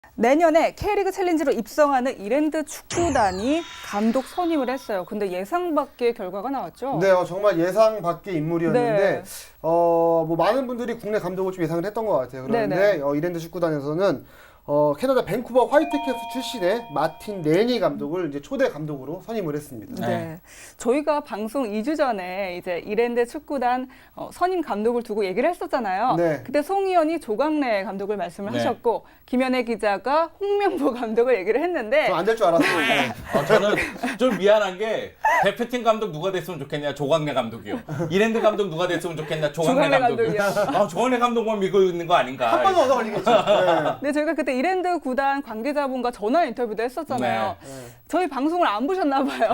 내년에 K리그 챌린지로 입성하는 이랜드 축구단이 감독 선임을 했어요. 근데 예상 밖의 결과가 나왔죠? 네, 정말 예상 밖의 인물이었는데 네. 뭐 많은 분들이 국내 감독을 좀 예상을 했던 것 같아요. 그런데 이랜드 축구단에서는 캐나다 밴쿠버 화이트캡스 출신의 마틴 레니 감독을 이제 초대 감독으로 선임을 했습니다. 네. 저희가 방송 2주 전에 이제 이랜드 축구단 선임 감독을 두고 얘기를 했었잖아요. 네. 그때 송 의원이 조광래 감독을 말씀을 하셨고 김현애 기자가 홍명보 감독을 얘기를 했는데 좀 안 될 줄 알았어요. 네. 저는 좀 미안한 게 대표팀 감독 누가 됐으면 좋겠냐 조광래 감독이요. 이랜드 감독 누가 됐으면 좋겠냐 조광래 감독이요. 조광래 감독만 믿고 있는 거 아닌가. 한 번 얻어 걸리겠죠. 네. 네, 저희가 그때 이랜드 구단 관계자분과 전화 인터뷰도 했었잖아요. 네. 저희 방송을 안 보셨나 봐요.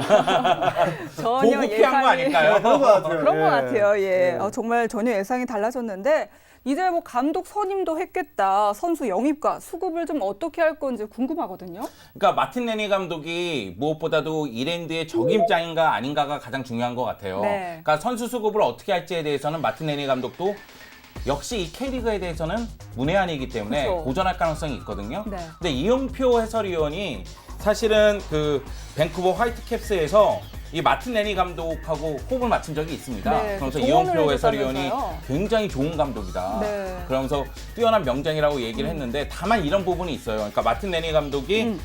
전혀 보고 피한 거 아닐까요? 그런 것 같아요. 그런 예. 것 같아요. 예. 네. 정말 전혀 예상이 달라졌는데 이제 뭐 감독 선임도 했겠다. 선수 영입과 수급을 좀 어떻게 할 건지 궁금하거든요. 그러니까 마틴 레니 감독이 무엇보다도 이랜드의 적임자인가 아닌가가 가장 중요한 것 같아요. 네. 그러니까 선수 수급을 어떻게 할지에 대해서는 마틴 레니 감독도 역시 이 K리그에 대해서는 문외한이기 때문에 그쵸. 도전할 가능성이 있거든요. 네. 근데 이용표 해설위원이 사실은 그 밴쿠버 화이트캡스에서 이 마틴 레니 감독하고 호흡을 맞춘 적이 있습니다. 네, 그러면서 조언을 이용표 해설위원이 해줬다면서요? 굉장히 좋은 감독이다. 네. 그러면서 뛰어난 명장이라고 얘기를 했는데 다만 이런 부분이 있어요. 그러니까 마틴 레니 감독이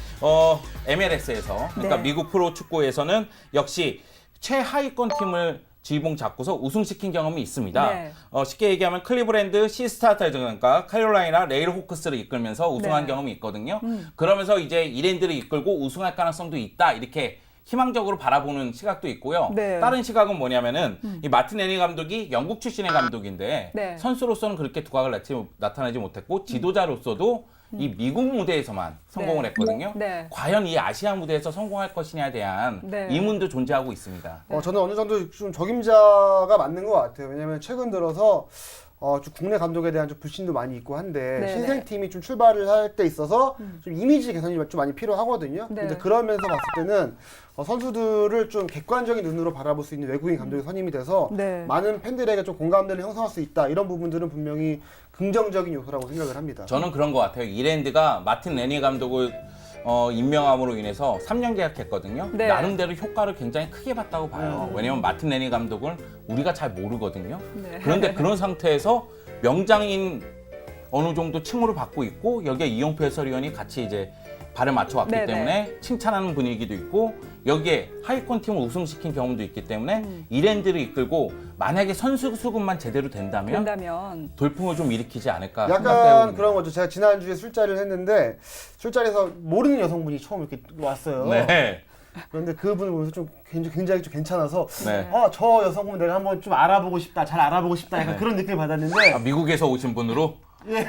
MLS에서 그러니까 네. 미국 프로 축구에서는 역시 최하위권 팀을 지봉 잡고서 우승시킨 경험이 있습니다. 네. 쉽게 얘기하면 클리브랜드 시스타즈 그러니까 캐롤라이나 레일호크스를 이끌면서 우승한 네. 경험이 있거든요. 그러면서 이제 이랜드를 이끌고 우승할 가능성도 있다. 이렇게 희망적으로 바라보는 시각도 있고요. 네. 다른 시각은 뭐냐면은 이 마틴 레니 감독이 영국 출신의 감독인데 네. 선수로서는 그렇게 두각을 나타내지 못했고 지도자로서도 이 미국 무대에서만 성공을 네. 했거든요. 네. 과연 이 아시아 무대에서 성공할 것이냐에 대한 네. 의문도 존재하고 있습니다. 저는 어느 정도 좀 적임자가 맞는 것 같아요. 왜냐하면 최근 들어서 좀 국내 감독에 대한 좀 불신도 많이 있고 한데 네네. 신생팀이 좀 출발을 할 때 있어서 좀 이미지 개선이 좀 많이 필요하거든요. 네. 근데 그러면서 봤을 때는 선수들을 좀 객관적인 눈으로 바라볼 수 있는 외국인 감독이 선임이 돼서 네. 많은 팬들에게 좀 공감대를 형성할 수 있다. 이런 부분들은 분명히 긍정적인 요소라고 생각을 합니다. 저는 그런 것 같아요. 이랜드가 마틴 레니 감독을 임명함으로 인해서 3년 계약했거든요. 네. 나름대로 효과를 굉장히 크게 봤다고 봐요. 왜냐면 마틴 레니 감독을 우리가 잘 모르거든요. 네. 그런데 그런 상태에서 명장인 어느 정도 칭호를 받고 있고 여기에 이용표 해설위원이 같이 이제 발을 맞춰왔기 네네. 때문에 칭찬하는 분위기도 있고 여기에 하위권 팀을 우승시킨 경험도 있기 때문에 이랜드를 이끌고 만약에 선수 수급만 제대로 된다면 돌풍을 좀 일으키지 않을까 약간 생각돼요. 그런 거죠. 제가 지난주에 술자리를 했는데 술자리에서 모르는 여성분이 처음 이렇게 왔어요. 네. 그런데 그분을 보면서 좀 굉장히 좀 괜찮아서 네. 저 여성분 내가 한번 좀 알아보고 싶다, 잘 알아보고 싶다 약간 그런 느낌을 받았는데 미국에서 오신 분으로 근데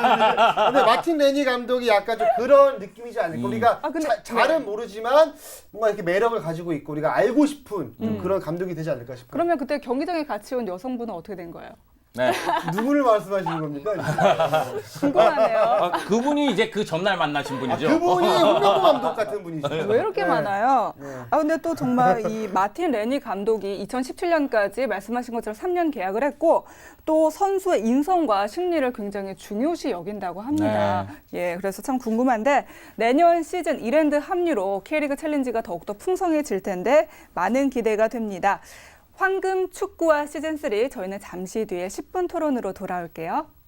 마틴 레니 감독이 약간 좀 그런 느낌이지 않을까. 우리가 근데 잘은 모르지만 뭔가 이렇게 매력을 가지고 있고 우리가 알고 싶은 좀 그런 감독이 되지 않을까 싶어요. 그러면 그때 경기장에 같이 온 여성분은 어떻게 된 거예요? 네. 누구를 말씀하시는 겁니까? 궁금하네요. 그분이 이제 그 전날 만나신 분이죠. 그분이 홍명보 감독 같은 분이시죠. 왜 이렇게 네. 많아요? 근데 또 정말 이 마틴 레니 감독이 2017년까지 말씀하신 것처럼 3년 계약을 했고 또 선수의 인성과 심리를 굉장히 중요시 여긴다고 합니다. 예, 그래서 참 궁금한데 내년 시즌 이랜드 합류로 K리그 챌린지가 더욱더 풍성해질 텐데 많은 기대가 됩니다. 황금 축구와 시즌3 저희는 잠시 뒤에 10분 토론으로 돌아올게요.